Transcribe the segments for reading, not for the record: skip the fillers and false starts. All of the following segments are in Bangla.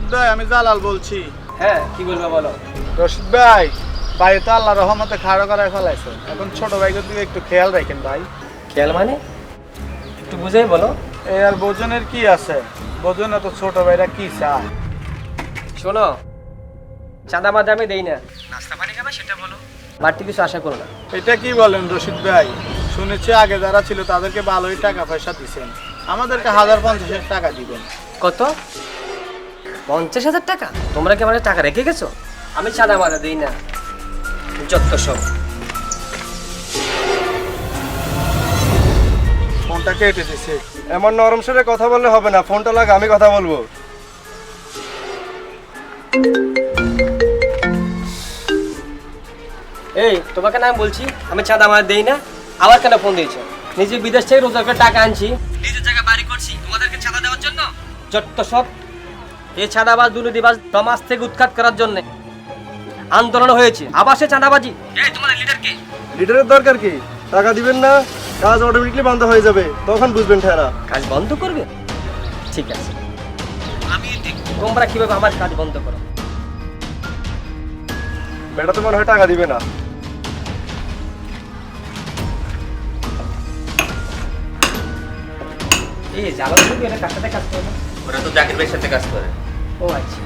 রশিদ ভাই, আমি জালাল বলছি। হ্যাঁ, কি বলবো বলো। রশিদ ভাই, ভাই তো আল্লাহ রহমতে খাড়ো করায় ফেলাইছে। এখন ছোট ভাইদের দিকে একটু খেয়াল রাখেন ভাই। খেয়াল মানে একটু বুঝাই বলো। এই আর বোজনের কি আছে, বোজনে তো ছোট ভাইরা কি চায়। শোনো, চাঁদা মাদা আমি দেই না, নাস্তা পানি খাবে সেটা বলো, বাড়তি কিছু আশা করো না। এটা কি বলেন রশিদ ভাই? শুনেছি আগে যারা ছিল তাদেরকে ভালোই টাকা পয়সা দিচ্ছেন, আমাদেরকে 1050 টাকা দিবেন। কত? 50,000 টাকা? তোমরা কি আমার টাকা রেখে গেছো? আমি চাঁদা মাদা দিই না, যত সব। ফোনটা কেটে দিছে। এমন নরম সুরে কথা বললে হবে না, ফোনটা লাগা, আমি কথা বলবো। এই, তোমাকে না আমি বলছি আমি চাঁদা মাদা দেই না, আবার কেন ফোন দিয়েছো? নিজে বিদেশ থেকে রোজগার করে টাকা আনছি, নিজের জায়গা বাড়ি করছি, তোমাদেরকে চাঁদা দেওয়ার জন্য? যত সব। এই চাঁদাবাজ দুর্নীতিবাজ সমাজ থেকে উৎখাত করার জন্য আন্দোলন হয়েছে, আবার সে চাঁদাবাজি। এই, তোমাদের লিডার কে? লিডারের দরকার কি? টাকা দিবেন না, কাজ অটোমেটিকলি বন্ধ হয়ে যাবে, তখন বুঝবেন ঠেরা। কাজ বন্ধ করবে? ঠিক আছে, আমি দেখব তোমরা কিভাবে আমার কাজ বন্ধ করো। বেটা তো মনে হয় টাকা দিবে না। এই জানো তুমি এটা কার সাথে কাজ করে না? ওরা তো জাকির ভাইয়ের সাথে কাজ করে। ও আচ্ছা।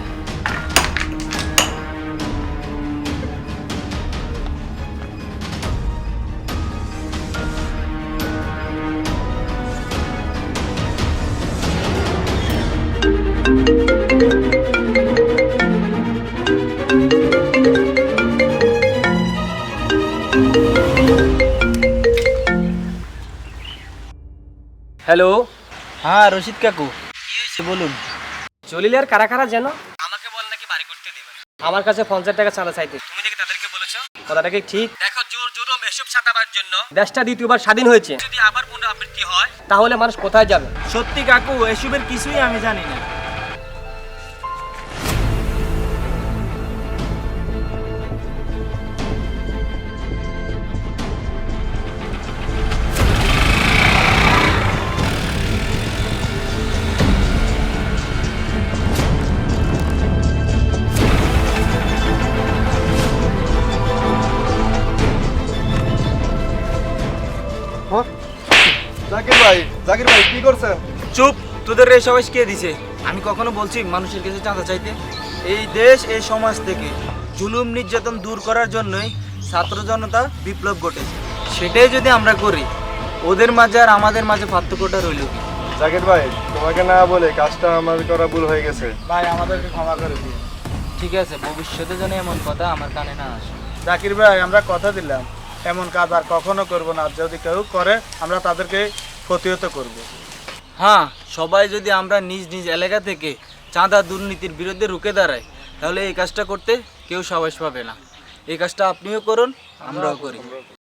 হ্যালো। হ্যাঁ রশিদ কাকু, কি হয়েছে বলুন। জলিলের কারা কারা যেন আমাকে বল নাকি বাড়ি করতে দেবে না, আমার কাছে 50 টাকা চাঁদা চাইতে। তুমি নাকি তাদেরকে বলেছো? কথাটা কি ঠিক? দেখো, জোর জুলুম এসব চাঁদাবার জন্য দেশটা দ্বিতীয়বার স্বাধীন হয়েছে, যদি আবার পুনরাবৃত্তি হয় তাহলে মানুষ কোথায় যাবে? সত্যি কাকু, এসবের কিছুই আমি জানি না। হ্যাঁ? জাকির ভাই কি করছেন? চুপ, তোদের এই সবাই কে দিছে? আমি কখনো বলছি মানুষের কাছে চাঁদা চাইতে? এই দেশ, এই সমাজ থেকে জুলুম নির্যাতন দূর করার জন্যই ছাত্র জনতা বিপ্লব ঘটেছে। সেটাই যদি আমরা করি, ওদের মাঝে আর আমাদের মাঝে পার্থক্যটা রইল কি? জাকির ভাই, তোমাকে না বলে কাজটা আমার করা ভুল হয়ে গেছে। ভাই, আমাদেরকে ক্ষমা করে দিন। ঠিক আছে, ভবিষ্যতে যেন এমন কথা আমার কানে না আসে। জাকির ভাই, আমরা কথা দিলাম এমন কাজ আর কখনো করব না। যদি কেউ করে আমরা তাদেরকে প্রতিহত করব। হ্যাঁ, সবাই যদি আমরা নিজ নিজ এলাকা থেকে চাঁদা দুর্নীতির বিরুদ্ধে রুখে দাঁড়াই, তাহলে এই কাজটা করতে কেউ সাহস পাবে না। এই কাজটা আপনিও করুন, আমরাও করি।